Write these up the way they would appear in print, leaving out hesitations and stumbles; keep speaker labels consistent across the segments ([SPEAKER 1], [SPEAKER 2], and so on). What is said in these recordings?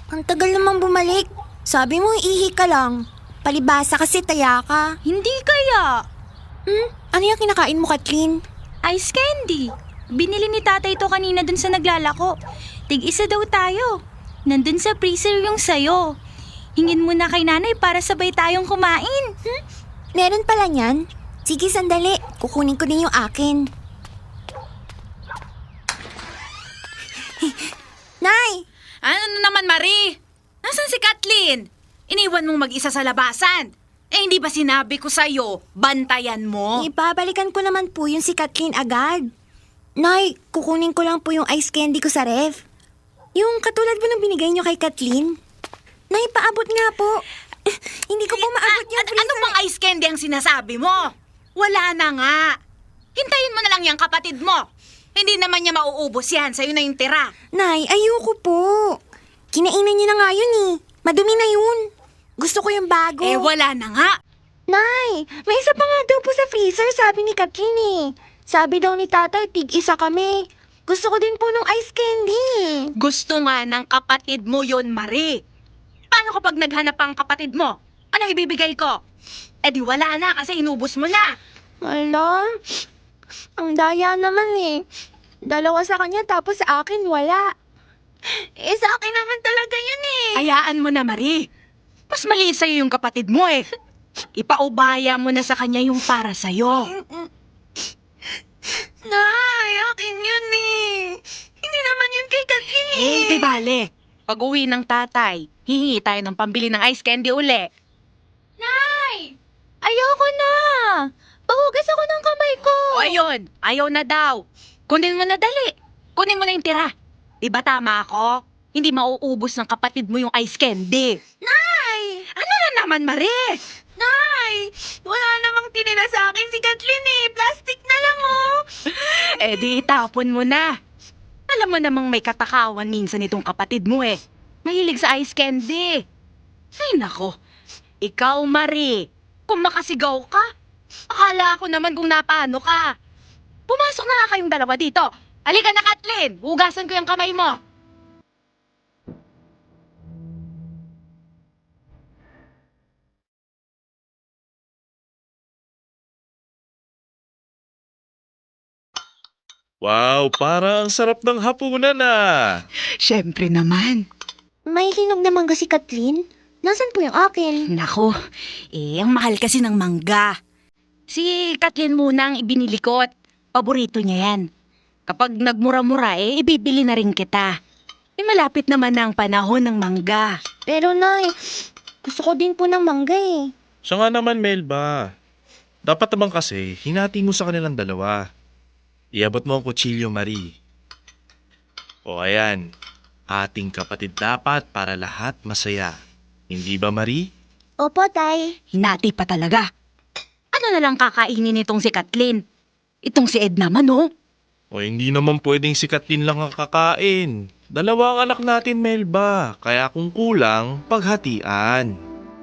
[SPEAKER 1] Ang tagal naman bumalik. Sabi mo, ihi ka lang. Palibasa kasi taya ka.
[SPEAKER 2] Hindi kaya.
[SPEAKER 1] Ano yung kinakain mo, Kathleen?
[SPEAKER 2] Ice candy. Binili ni tatay ito kanina dun sa naglalako. Tig-isa daw tayo. Nandun sa freezer yung sayo. Hingin mo na kay nanay para sabay tayong kumain.
[SPEAKER 1] Meron pala niyan? Sige, sandali. Kukunin ko din yung akin. Nay!
[SPEAKER 3] Ano na naman, Marie? Nasaan si Kathleen? Iniwan mong mag-isa sa labasan. Eh, hindi ba sinabi ko sa'yo, bantayan mo?
[SPEAKER 1] Ibabalikan ko naman po yung si Kathleen agad. Nay, kukunin ko lang po yung ice candy ko sa ref. Yung katulad mo ng binigay niyo kay Kathleen. Nay, paabot nga po. Hindi ko po maabot yung freezer.
[SPEAKER 3] Ano pang ice candy ang sinasabi mo? Wala na nga. Hintayin mo na lang yung kapatid mo. Hindi naman niya mauubos yan. Sa'yo na yung tira.
[SPEAKER 1] Nay, ayoko po. Kinainan niyo na nga yun eh. Madumi na yun. Gusto ko yung bago.
[SPEAKER 3] Eh, wala na nga.
[SPEAKER 1] Nay, may isa pa nga daw po sa freezer, sabi ni Kathleen eh. Sabi daw ni tatay, tig-isa kami. Gusto ko din po ng ice candy.
[SPEAKER 3] Gusto nga ng kapatid mo yon, Marie. Paano kapag naghanap ang kapatid mo? Anong ibibigay ko? Eh di wala na kasi inubos mo na.
[SPEAKER 1] Wala. Ang daya naman eh. Dalawa sa kanya tapos sa akin wala. Eh sa akin naman talaga yun eh.
[SPEAKER 3] Hayaan mo na, Marie. Mas maliit sa'yo yung kapatid mo eh. Ipaubaya mo na sa kanya yung para sa'yo.
[SPEAKER 1] Nay, akin yun eh. Hindi naman yun kay Kathleen.
[SPEAKER 3] Eh, di bale. Pag uwi ng tatay, hihingi tayo ng pambili ng ice candy uli.
[SPEAKER 2] Nay! Ayoko na! Pahugas ako ng kamay ko!
[SPEAKER 3] O ayun, ayaw na daw. Kunin mo na dali. Kunin mo na yung tira. Di ba tama ako? Hindi mauubos ng kapatid mo yung ice candy.
[SPEAKER 1] Nay!
[SPEAKER 3] Ano na naman, Marie?
[SPEAKER 1] Nay! Wala namang tinira sa akin si Kathleen eh. Plastic na lang oh.
[SPEAKER 3] Eh di itapon mo na. Alam mo namang may katakawan minsan itong kapatid mo eh. Mahilig sa ice candy. Ay nako, ikaw Marie, kung makasigaw ka, akala ko naman kung napaano ka. Pumasok na nga kayong dalawa dito. Halika na Kathleen, hugasan ko yung kamay mo.
[SPEAKER 4] Wow, parang ang sarap ng hapunan ah.
[SPEAKER 3] Siyempre naman.
[SPEAKER 1] May hinog naman kasi Kathleen. Nasaan po yung akin?
[SPEAKER 3] Nako, ang mahal kasi ng mangga. Si Kathleen muna ang ibinili ko at paborito niya yan. Kapag nagmura-mura, ibibili na rin kita. Malapit naman na ang panahon ng mangga.
[SPEAKER 1] Pero Nay, gusto ko din po ng mangga eh.
[SPEAKER 4] Siya nga naman, Melba. Dapat naman kasi, hinati mo sa kanilang dalawa. Iabot mo ang kutsilyo, Marie. O ayan, ating kapatid dapat para lahat masaya. Hindi ba, Marie?
[SPEAKER 1] Opo, Tay.
[SPEAKER 3] Hinati pa talaga. Ano na lang kakainin itong si Kathleen? Itong si Ed naman, oh.
[SPEAKER 4] O hindi naman pwedeng si Kathleen lang ang kakain. Dalawa ang anak natin, Melba. Kaya kung kulang, paghatian.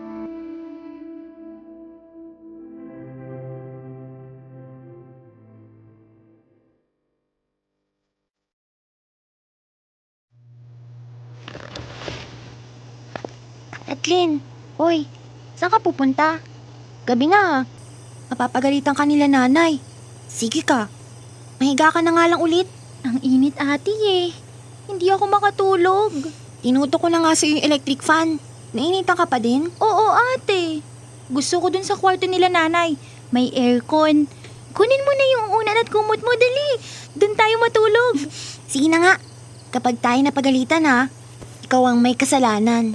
[SPEAKER 1] Kathleen, hoy, saan ka pupunta? Gabi na. Mapapagalitan ka nila nanay. Sige ka. Mahiga ka na nga lang ulit.
[SPEAKER 2] Ang init ate eh. Hindi ako makatulog.
[SPEAKER 1] Tinuto ko na nga sa yung electric fan. Nainitan ka pa din?
[SPEAKER 2] Oo ate. Gusto ko dun sa kwarto nila nanay. May aircon. Kunin mo na yung unan at kumot mo, dali. Dun tayo matulog.
[SPEAKER 1] Sige na nga. Kapag tayo napagalitan ha, ikaw ang may kasalanan.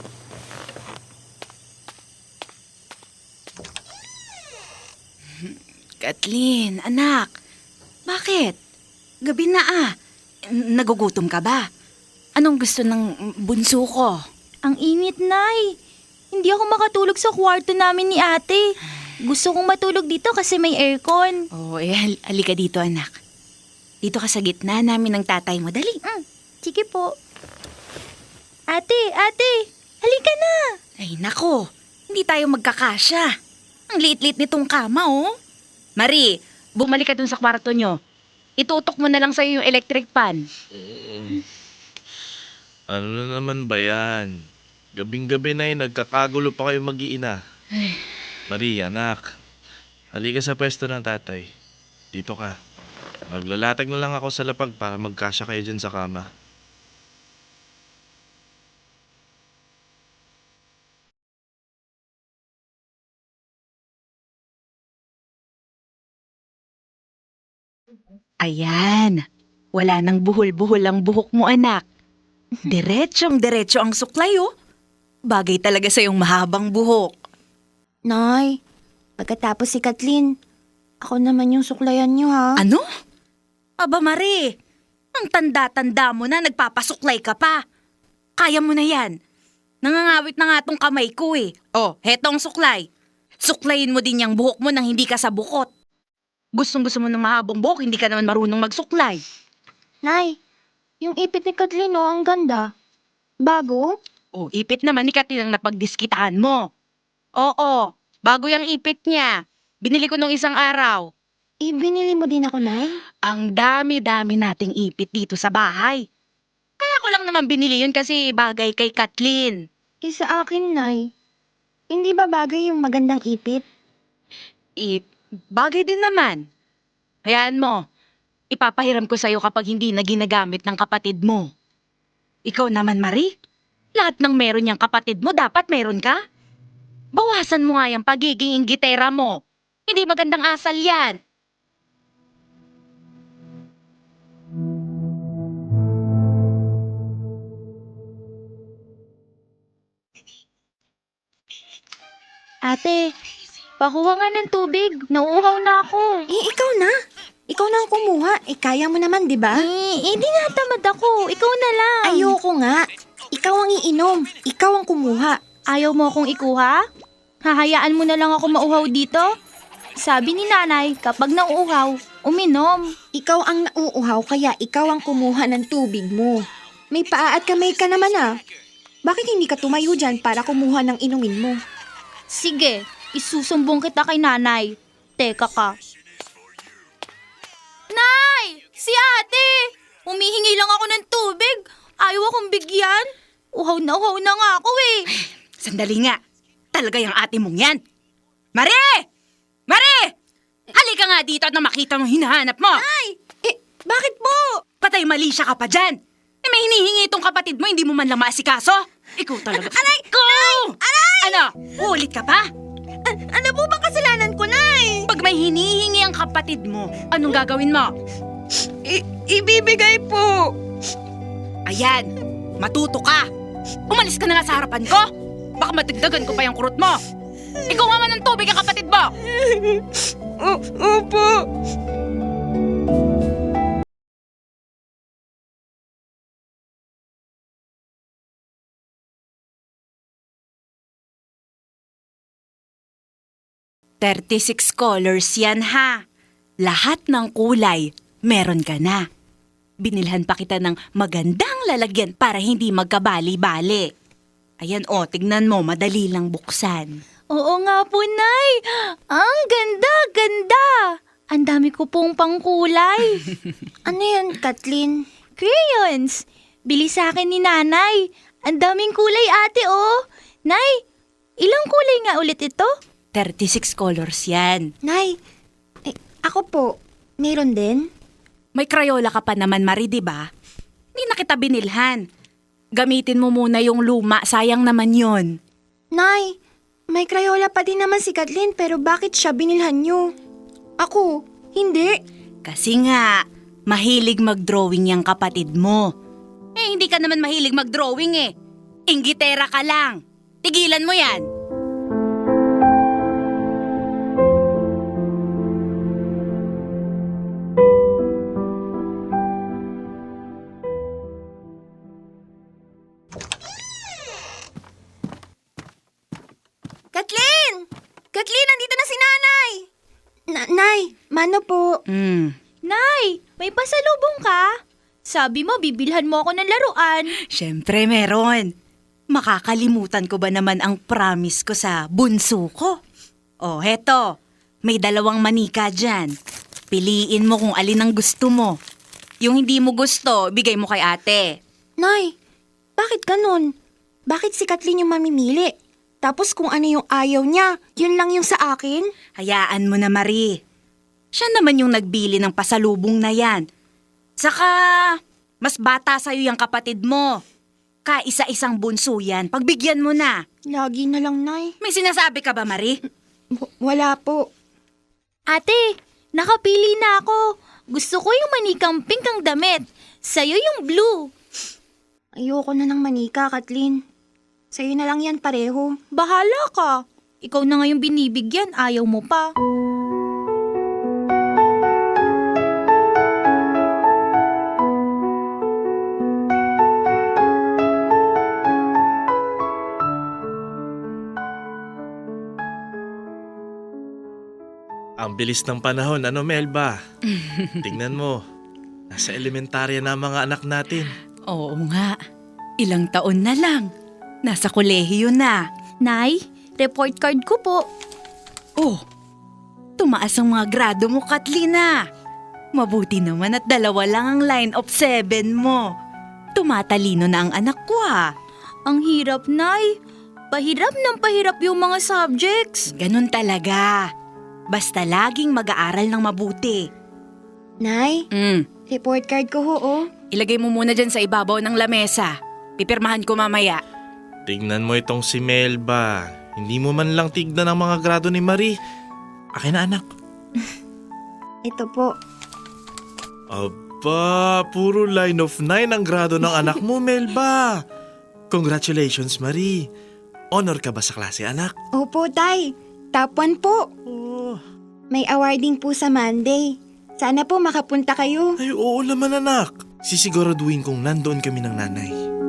[SPEAKER 3] Kathleen, anak. Bakit? Gabi na ah. Nagugutom ka ba? Anong gusto ng bunso ko?
[SPEAKER 2] Ang init, Nay. Hindi ako makatulog sa kwarto namin ni ate. Gusto kong matulog dito kasi may aircon.
[SPEAKER 3] Oh, halika dito anak. Dito ka sa gitna namin ng tatay mo. Dali.
[SPEAKER 2] Sige po. Ate, halika na.
[SPEAKER 3] Ay nako, hindi tayo magkakasya. Ang liit-liit nitong kama oh. Marie, bumalik ka dun sa kwarto nyo. Itutok mo na lang sa'yo yung electric fan.
[SPEAKER 4] Ano na naman ba yan? Gabing-gabi na nagkakagulo pa kayo mag-iina. Marie, anak. Halika sa pwesto ng tatay. Dito ka. Maglalatag na lang ako sa lapag para magkasya kayo dyan sa kama.
[SPEAKER 3] Ayan. Wala nang buhol-buhol ang buhok mo, anak. Diretsyong-diretso ang suklay, oh. Bagay talaga sa iyong mahabang buhok.
[SPEAKER 1] Nay, pagkatapos si Kathleen, ako naman yung suklayan niyo ha.
[SPEAKER 3] Ano? Aba, Marie. Ang tanda-tanda mo na, nagpapasuklay ka pa. Kaya mo na yan. Nangangawit na nga tong kamay ko eh. Oh, hetong suklay. Suklayin mo din yung buhok mo nang hindi ka sa bukot. Gustong-gusto mo ng mahabang buhok, hindi ka naman marunong magsuklay.
[SPEAKER 1] Nay, yung ipit ni Kathleen oh, ang ganda. Bago?
[SPEAKER 3] Oh, ipit naman ni Katin ang napagdiskitahan mo. Oo, bago yung ipit niya. Binili ko nung isang araw.
[SPEAKER 1] Binili mo din ako, Nay?
[SPEAKER 3] Ang dami-dami nating ipit dito sa bahay. Kaya ko lang naman binili yun kasi bagay kay Kathleen.
[SPEAKER 1] Sa akin, Nay. Hindi ba bagay yung magandang ipit?
[SPEAKER 3] Bagay din naman. Hayaan mo, ipapahiram ko sa'yo kapag hindi na ginagamit ng kapatid mo. Ikaw naman, Marie. Lahat ng meron niyang kapatid mo, dapat meron ka. Bawasan mo nga yung pagiging inggitera mo. Hindi magandang asal yan.
[SPEAKER 2] Ate, pakuha nga ng tubig. Nauuhaw na ako.
[SPEAKER 1] Ikaw na. Ikaw na ang kumuha. Kaya mo naman, di ba?
[SPEAKER 2] Hindi nga tamad ako. Ikaw na lang.
[SPEAKER 1] Ayoko nga. Ikaw ang iinom. Ikaw ang kumuha.
[SPEAKER 2] Ayaw mo akong ikuha? Hahayaan mo na lang ako mauhaw dito? Sabi ni nanay, kapag nauuhaw, uminom.
[SPEAKER 1] Ikaw ang nauuhaw, kaya ikaw ang kumuha ng tubig mo. May paa at kamay ka naman ah. Bakit hindi ka tumayo dyan para kumuha ng inumin mo?
[SPEAKER 2] Sige, isusumbong kita kay nanay. Teka ka. Nay! Si ate! Humihingi lang ako ng tubig. Ayaw akong bigyan. Uhaw na nga ako eh.
[SPEAKER 3] Sandali nga. Talaga yung ate mong yan. Marie! Marie! Halika nga dito at na makita mong hinahanap mo.
[SPEAKER 1] Ay! Bakit po?
[SPEAKER 3] Patay mali siya ka pa dyan. May hinihingi itong kapatid mo, hindi mo man lang maasikaso. Ikaw talaga.
[SPEAKER 1] Aray!
[SPEAKER 3] Go!
[SPEAKER 1] Aray!
[SPEAKER 3] Ano? Uulit ka pa?
[SPEAKER 1] Ano po bang kasalanan ko, Nay?
[SPEAKER 3] Pag may hinihingi ang kapatid mo, anong gagawin mo?
[SPEAKER 1] Ibibigay po.
[SPEAKER 3] Ayan, matuto ka. Umalis ka na nga sa harapan ko. Baka matigdagan ko pa yung kurot mo. Ikaw nga man ng tubig ang kapatid mo.
[SPEAKER 1] Opo.
[SPEAKER 3] $36 yan ha. Lahat ng kulay, meron ka na. Binilhan pa kita ng magandang lalagyan para hindi magkabali-bali. Ayan o, tignan mo, madali lang buksan.
[SPEAKER 2] Oo nga po, Nay. Ang ganda. Ang dami ko pong pangkulay.
[SPEAKER 1] Ano yan, Kathleen?
[SPEAKER 2] Crayons. Bili sa akin ni nanay. Ang daming kulay, ate, oh. Nay, ilang kulay nga ulit ito?
[SPEAKER 3] 36 colors yan.
[SPEAKER 1] Nay, ako po, meron din?
[SPEAKER 3] May Crayola ka pa naman, Marie, di ba? Hindi na kita binilhan. Gamitin mo muna yung luma, sayang naman yon.
[SPEAKER 1] Nay, may Crayola pa din naman si Kathleen pero bakit siya binilhan niyo? Ako, hindi.
[SPEAKER 3] Kasi nga, mahilig mag-drawing yung kapatid mo. Hindi ka naman mahilig mag-drawing eh. Inggitera ka lang. Tigilan mo yan.
[SPEAKER 1] Kathleen! Kathleen, nandito na si nanay! Nay, mano po?
[SPEAKER 2] Nay, may pasalubong ka? Sabi mo, bibilhan mo ako ng laruan.
[SPEAKER 3] Siyempre meron. Makakalimutan ko ba naman ang promise ko sa bunso ko? Oh, heto. May 2 manika dyan. Piliin mo kung alin ang gusto mo. Yung hindi mo gusto, bigay mo kay ate.
[SPEAKER 1] Nay, bakit ganun? Bakit si Kathleen yung mamimili? Tapos kung ano yung ayaw niya, yun lang yung sa akin?
[SPEAKER 5] Hayaan mo na, Marie. Siya naman yung nagbili ng pasalubong na yan. Saka, mas bata sa'yo yung kapatid mo. Kaisa-isang bunso yan. Pagbigyan mo na.
[SPEAKER 1] Lagi na lang, Nay.
[SPEAKER 5] May sinasabi ka ba, Marie?
[SPEAKER 1] Wala po.
[SPEAKER 2] Ate, nakapili na ako. Gusto ko yung manikang pink ang damit. Sa'yo yung blue.
[SPEAKER 1] Ayoko na ng manika, Kathleen. Sa'yo na lang yan pareho.
[SPEAKER 2] Bahala ka. Ikaw na nga yung binibigyan, ayaw mo pa.
[SPEAKER 4] Ang bilis ng panahon, ano Melba? Tingnan mo, nasa elementarya na ang mga anak natin.
[SPEAKER 5] Oo nga. Ilang taon na lang. Nasa kolehiyo na.
[SPEAKER 2] Nay, report card ko po.
[SPEAKER 5] Oh, tumaas ang mga grado mo, Katlina. Mabuti naman at 2 lang ang line of 7 mo. Tumatalino na ang anak ko, ha.
[SPEAKER 2] Ang hirap, Nay. Pahirap ng pahirap yung mga subjects.
[SPEAKER 5] Ganun talaga. Basta laging mag-aaral ng mabuti.
[SPEAKER 1] Nay, report card ko ho, oh.
[SPEAKER 5] Ilagay mo muna dyan sa ibabaw ng lamesa. Pipirmahan ko mamaya.
[SPEAKER 4] Tingnan mo itong si Melba. Hindi mo man lang tignan ang mga grado ni Marie. Akin na anak.
[SPEAKER 1] Ito po.
[SPEAKER 4] Aba, puro line of 9 ang grado ng anak mo, Melba. Congratulations, Marie. Honor ka ba sa klase, anak?
[SPEAKER 1] Opo, Tay. Top 1 po.
[SPEAKER 4] Oh,
[SPEAKER 1] May awarding po sa Monday. Sana po makapunta kayo.
[SPEAKER 4] ay oo naman, anak. Sisiguraduhin kong nandoon kami ng nanay.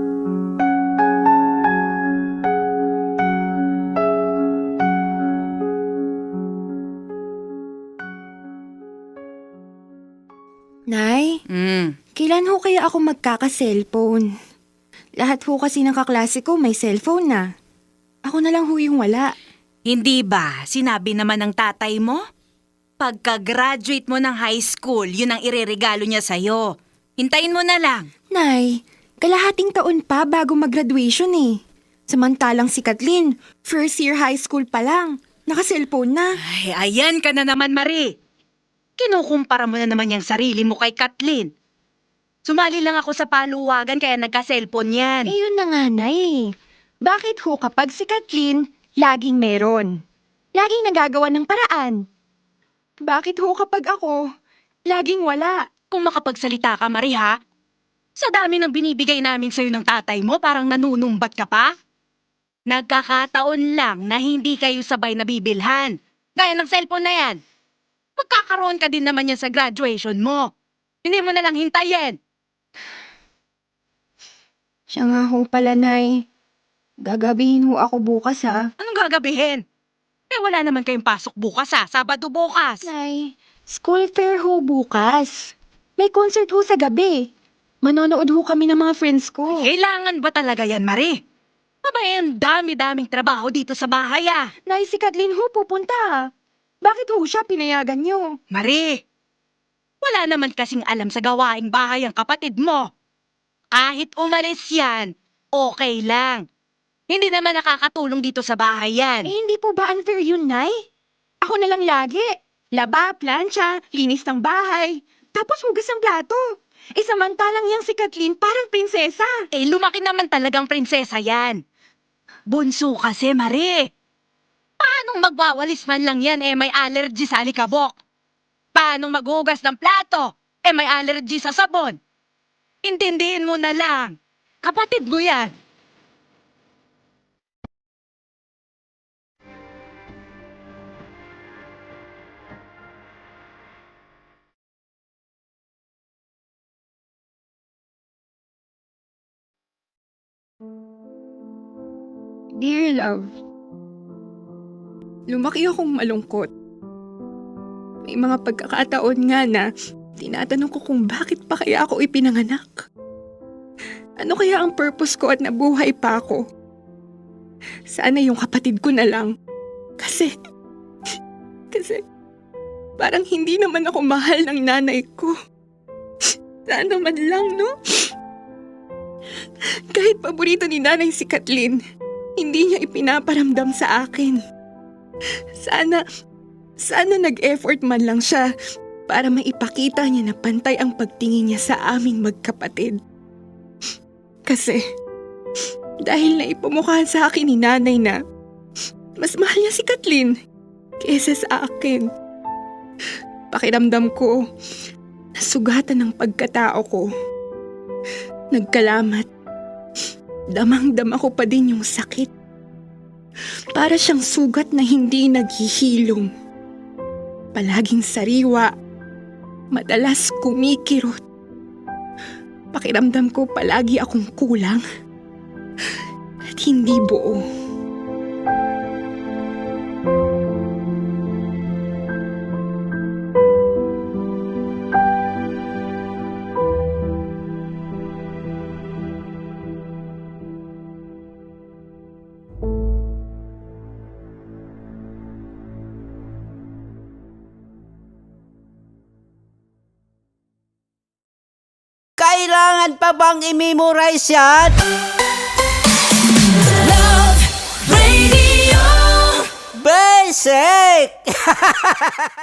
[SPEAKER 1] Nay, kailan ho kaya ako magkaka-cellphone? Lahat ho kasi ng kaklase ko may cellphone na. Ako na lang ho yung wala.
[SPEAKER 5] Hindi ba sinabi naman ng tatay mo? Pagka-graduate mo ng high school, yun ang ireregalo niya sa'yo. Hintayin mo na lang.
[SPEAKER 1] Nay, kalahating taon pa bago mag-graduation eh. Samantalang si Kathleen, first year high school pa lang. Naka-cellphone na.
[SPEAKER 5] Ay, ayan ka na naman, Marie. Kinukumpara mo na naman yung sarili mo kay Kathleen. Sumali lang ako sa paluwagan kaya nagka-cellphone yan.
[SPEAKER 1] Eh yun na nga, Nay. Bakit ho kapag si Kathleen, laging meron? Laging nagagawa ng paraan. Bakit ho kapag ako, laging wala?
[SPEAKER 5] Kung makapagsalita ka, Marie, ha? Sa dami ng binibigay namin sa'yo ng tatay mo, parang nanunumbat ka pa? Nagkakataon lang na hindi kayo sabay nabibilhan. Gaya ng cellphone na yan. Magkakaroon ka din naman yan sa graduation mo. Hindi mo na lang hintayin.
[SPEAKER 1] Siya nga ho pala, Nay. Gagabihin ho ako bukas, ha?
[SPEAKER 5] Anong gagabihin? Eh wala naman kayong pasok bukas, ha? Sabado bukas.
[SPEAKER 1] Nay, school fair ho bukas. May concert ho sa gabi. Manonood ho kami ng mga friends ko.
[SPEAKER 5] Kailangan ba talaga yan, Marie? Abay, ang dami-daming trabaho dito sa bahay, ah.
[SPEAKER 1] Nay, si Kathleen ho pupunta, ha? Bakit ho siya pinayagan niyo?
[SPEAKER 5] Marie, wala naman kasing alam sa gawaing bahay ang kapatid mo. Kahit umalis yan, okay lang. Hindi naman nakakatulong dito sa bahay yan.
[SPEAKER 1] Eh, hindi po ba unfair yun, Nay? Ako na lang lagi. Laba, plancha, linis ng bahay. Tapos hugas ng plato. Eh, samantalang yang si Kathleen parang prinsesa.
[SPEAKER 5] Eh, lumaki naman talagang prinsesa yan. Bunso kasi, Marie. Paanong magwawalis man lang yan may allergy sa alikabok? Paanong maghugas ng plato may allergy sa sabon? Intindihin mo na lang. Kapatid mo yan.
[SPEAKER 1] Dear love, lumaki akong malungkot. May mga pagkakataon nga na tinatanong ko kung bakit pa kaya ako ipinanganak. Ano kaya ang purpose ko at nabuhay pa ako? Sana yung kapatid ko na lang. Kasi parang hindi naman ako mahal ng nanay ko. Sana man lang, no?
[SPEAKER 6] Kahit paborito ni nanay si Kathleen, hindi niya ipinaparamdam sa akin. Sana nag-effort man lang siya para maipakita niya na pantay ang pagtingin niya sa aming magkapatid. Kasi, dahil naipamukhaan sa akin ni nanay na mas mahal niya si Kathleen kesa sa akin. Pakiramdam ko, nasugatan ng pagkatao ko. Nagkalamat. Damang-dama ko pa din yung sakit. Para siyang sugat na hindi naghihilom. Palaging sariwa. Madalas kumikirot. Pakiramdam ko palagi akong kulang. At hindi buo.
[SPEAKER 7] Kailangan pa bang i-memorize yan? Basic!